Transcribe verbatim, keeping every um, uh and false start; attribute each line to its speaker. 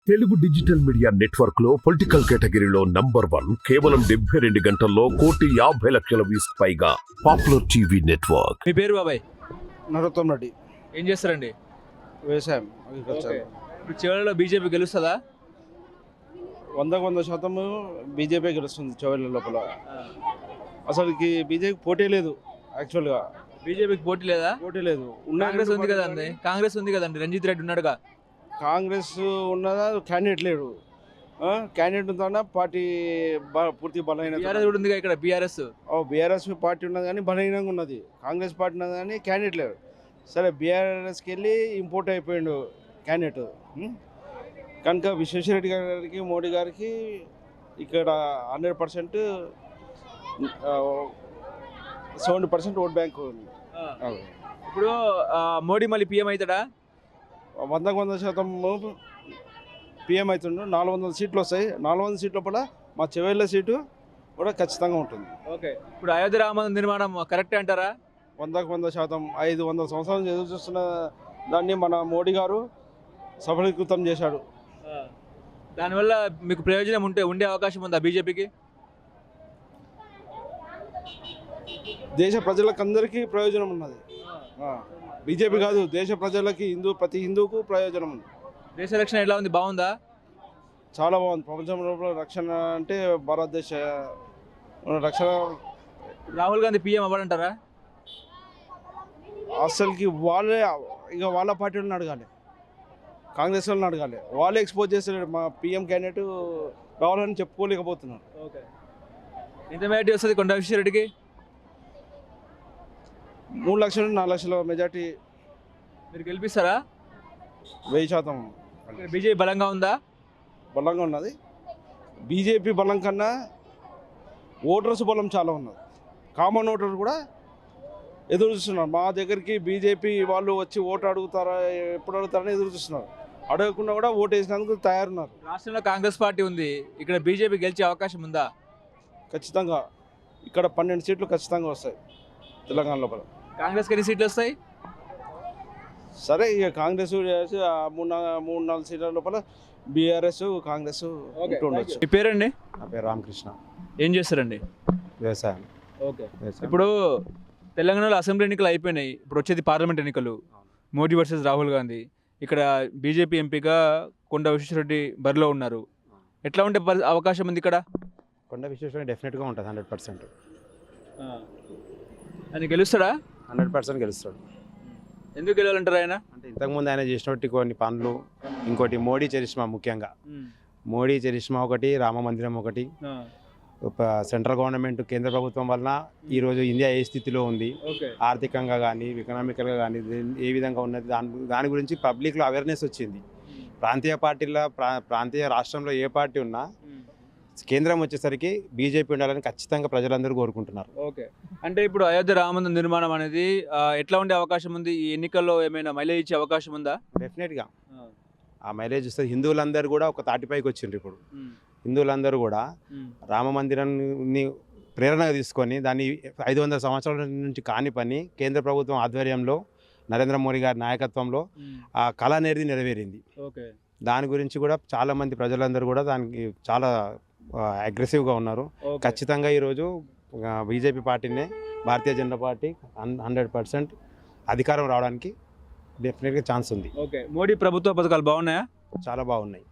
Speaker 1: Telugu digital media network లో political కేటగిరీలో number one కేవలం డెబ్బై రెండు గంటల్లో కోటి యాభై లక్షల వ్యూస్ పైగా పాపులర్ టీవీ నెట్వర్క్.
Speaker 2: మీ పేరు బాబాయ్?
Speaker 3: నరోత్తం రెడ్డి.
Speaker 2: ఏం చేస్తారండి?
Speaker 3: వ్యవసాయం, అగ్రికల్చర్.
Speaker 2: ఇప్పుడు చివరిలో బీజేపీ గెలుస్తుందా?
Speaker 3: వందకు వంద శాతం బీజేపీ గెలుస్తుంది చివరి లోపల. అసలుకి బీజేపీ పోటీ లేదు. యాక్చువల్గా
Speaker 2: బీజేపీకి పోటీ లేదా?
Speaker 3: పోటీ లేదు.
Speaker 2: కాంగ్రెస్ ఉంది కదండి. కాంగ్రెస్ ఉంది కదండి, రంజిత్ రెడ్డి ఉన్నాడుగా.
Speaker 3: కాంగ్రెస్ ఉన్నదా, క్యాండిడేట్ లేడు. క్యాండిడేట్ ఉందా పార్టీ పూర్తి బలహీన.
Speaker 2: బీఆర్ఎస్ కూడా ఉంది ఇక్కడ. బీఆర్ఎస్
Speaker 3: బీఆర్ఎస్ పార్టీ ఉన్నది కానీ బలహీనంగా ఉన్నది. కాంగ్రెస్ పార్టీ ఉన్నది కానీ క్యాండిడేట్ లేడు. సరే బీఆర్ఎస్కి వెళ్ళి ఇంపోర్ట్ అయిపోయాడు క్యాండిడేట్. కనుక విశ్వేశ్వరరెడ్డి గారికి, మోడీ గారికి ఇక్కడ hundred percent seventy percent vote bank ఉంది.
Speaker 2: ఇప్పుడు మోడీ మళ్ళీ పీఎం అవుతాడా?
Speaker 3: వందకు వంద శాతం పిఎం అవుతుండు. నాలుగు వందల సీట్లు వస్తాయి. నాలుగు వందల సీట్ల లోపల మా చివరిలో సీటు కూడా ఖచ్చితంగా ఉంటుంది.
Speaker 2: ఓకే. ఇప్పుడు అయోధ్య రామ నిర్మాణం కరెక్టే అంటారా?
Speaker 3: వందకు వంద శాతం. ఐదు వందల సంవత్సరాలు ఎదురు చూస్తున్న దాన్ని మన మోడీ గారు సఫలీకృతం చేశాడు.
Speaker 2: దానివల్ల మీకు ప్రయోజనం ఉంటే ఉండే అవకాశం ఉందా బీజేపీకి?
Speaker 3: దేశ ప్రజలకు అందరికీ ప్రయోజనం ఉన్నది. బీజేపీ కాదు, దేశ ప్రజలకి, హిందూ ప్రతి హిందూకు ప్రయోజనం ఉంది.
Speaker 2: దేశ రక్షణ ఎట్లా ఉంది? బాగుందా?
Speaker 3: చాలా బాగుంది. ప్రపంచంలో రక్షణ అంటే భారతదేశ రక్షణ.
Speaker 2: రాహుల్ గాంధీ పీఎం అవ్వడంటారా?
Speaker 3: అసలుకి వాళ్ళే ఇక వాళ్ళ పార్టీ వాళ్ళని అడగాలి, కాంగ్రెస్ వాళ్ళని అడగాలి. వాళ్ళే ఎక్స్పోజ్ చేస్తారు. మా పీఎం క్యాండిడేట్ రావాలని చెప్పుకోలేకపోతున్నారు.
Speaker 2: ఓకే. ఎంత మెజార్టీ వస్తుంది కొండ విశ్వేశ్వరరెడ్డికి?
Speaker 3: మూడు లక్షలు నాలుగు లక్షల మెజార్టీ.
Speaker 2: మీరు గెలిపిస్తారా?
Speaker 3: వెయ్యి శాతం.
Speaker 2: బీజేపీ బలంగా ఉందా?
Speaker 3: బలంగా ఉన్నది. బీజేపీ బలం కన్నా ఓటర్స్ బలం చాలా ఉన్నది. కామన్ ఓటర్ కూడా ఎదురు చూస్తున్నారు. మా దగ్గరికి బీజేపీ వాళ్ళు వచ్చి ఓటు అడుగుతారా, ఎప్పుడు అడుగుతారని ఎదురు చూస్తున్నారు. అడగకుండా కూడా ఓటు వేసినందుకు తయారున్నారు.
Speaker 2: రాష్ట్రంలో కాంగ్రెస్ పార్టీ ఉంది, ఇక్కడ బీజేపీ గెలిచే అవకాశం ఉందా?
Speaker 3: ఖచ్చితంగా. ఇక్కడ పన్నెండు సీట్లు ఖచ్చితంగా వస్తాయి తెలంగాణ లోపల.
Speaker 2: కాంగ్రెస్కి ఎన్ని సీట్లు వస్తాయి?
Speaker 3: సరే ఇక కాంగ్రెస్ మూడు మూడు నాలుగు సీట్ల లోపల బీఆర్ఎస్, కాంగ్రెస్ ఉండొచ్చు.
Speaker 2: మీ పేరండి?
Speaker 3: నా పేరు రామకృష్ణ.
Speaker 2: ఏం చేస్తారండి?
Speaker 3: వ్యవసాయం.
Speaker 2: ఓకే. ఇప్పుడు తెలంగాణలో అసెంబ్లీ ఎన్నికలు అయిపోయినాయి, ఇప్పుడు వచ్చేది పార్లమెంట్ ఎన్నికలు. మోడీ వర్సెస్ రాహుల్ గాంధీ. ఇక్కడ బీజేపీ ఎంపీగా కొండ విశ్వేశ్వరరెడ్డి బరిలో ఉన్నారు. ఎట్లా ఉండే అవకాశం ఉంది ఇక్కడ?
Speaker 4: కొండ విశ్వేశ్వరరెడ్డి డెఫినెట్గా ఉంటుంది. హండ్రెడ్ పర్సెంట్
Speaker 2: ఆయన గెలుస్తాడా?
Speaker 4: హండ్రెడ్ పర్సెంట్ గెలుస్తాడు.
Speaker 2: ఎందుకు గెలవాలంటారు ఆయన?
Speaker 4: అంటే ఇంతకుముందు ఆయన చేసినట్టు కొన్ని పనులు, ఇంకోటి మోడీ చరిష్మా. ముఖ్యంగా మోడీ చరిష్మా ఒకటి, రామ మందిరం ఒకటి. సెంట్రల్ గవర్నమెంట్, కేంద్ర ప్రభుత్వం వలన ఈరోజు ఇండియా ఏ స్థితిలో ఉంది, ఆర్థికంగా కానీ ఎకనామికల్గా కానీ ఏ విధంగా ఉన్నది, దాని దాని గురించి పబ్లిక్లో అవేర్నెస్ వచ్చింది. ప్రాంతీయ పార్టీల ప్రా ప్రాంతీయ రాష్ట్రంలో ఏ పార్టీ ఉన్నా కేంద్రం వచ్చేసరికి బీజేపీ ఉండాలని ఖచ్చితంగా ప్రజలందరూ కోరుకుంటున్నారు.
Speaker 2: ఓకే. అంటే ఇప్పుడు అయోధ్య రామ నిర్మాణం అనేది ఎట్లా ఉండే అవకాశం ఉంది? ఈ ఎన్నికల్లో ఏమైనా మైలేజ్ ఇచ్చే అవకాశం ఉందా?
Speaker 4: డెఫినెట్గా ఆ మైలేజ్ వస్తుంది. హిందువులందరూ కూడా ఒక తాటిపైకి వచ్చిండ్రు. ఇప్పుడు హిందువులందరూ కూడా రామ మందిరాన్ని ప్రేరణగా తీసుకొని దాన్ని ఐదు వందల సంవత్సరాల నుంచి కాని పని కేంద్ర ప్రభుత్వం ఆధ్వర్యంలో నరేంద్ర మోడీ గారి నాయకత్వంలో ఆ కళ అనేది నెరవేరింది.
Speaker 2: ఓకే.
Speaker 4: దాని గురించి కూడా చాలామంది ప్రజలందరూ కూడా దానికి చాలా అగ్రెసివ్గా ఉన్నారు. ఖచ్చితంగా ఈరోజు బీజేపీ పార్టీనే, భారతీయ జనతా పార్టీ హండ్రెడ్ పర్సెంట్ అధికారం రావడానికి డెఫినెట్గా ఛాన్స్ ఉంది.
Speaker 2: ఓకే. మోడీ ప్రభుత్వ పథకాలు బాగున్నాయా?
Speaker 4: చాలా బాగున్నాయి.